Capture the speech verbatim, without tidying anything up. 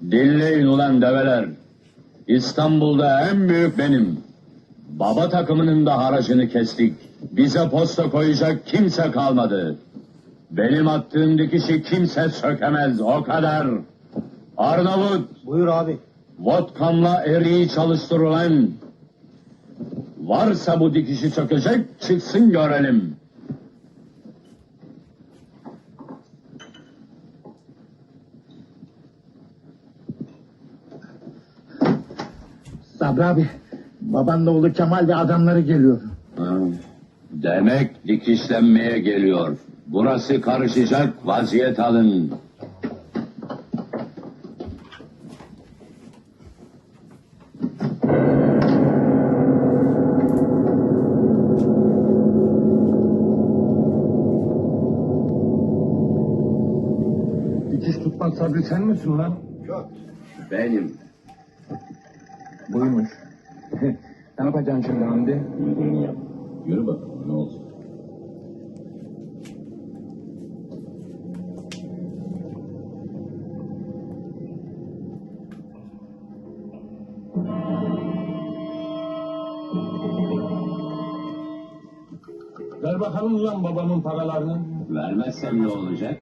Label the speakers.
Speaker 1: Dinleyin ulan develer. İstanbul'da en büyük benim. Baba takımının da haracını kestik. Bize posta koyacak kimse kalmadı. Benim attığım dikişi kimse sökemez, o kadar. Arnavut,
Speaker 2: Buyur abi.
Speaker 1: vodkamla eriği çalıştır ulan. Varsa bu dikişi sökecek, çıksın görelim.
Speaker 3: Sabri abi, babanla oğlu Kemal ve adamları geliyor.
Speaker 1: Ha, demek dikişlenmeye geliyor. Burası karışacak, vaziyet alın.
Speaker 4: Dikiş tutmak Sabri sen misin lan?
Speaker 1: Benim.
Speaker 4: Buymuş. Ne yapacaksın şimdi Hamdi?
Speaker 1: Uygun yap. Yürü bakalım, ne olacak?
Speaker 4: Ver bakalım ulan babamın paralarını.
Speaker 1: Vermezsem ne olacak?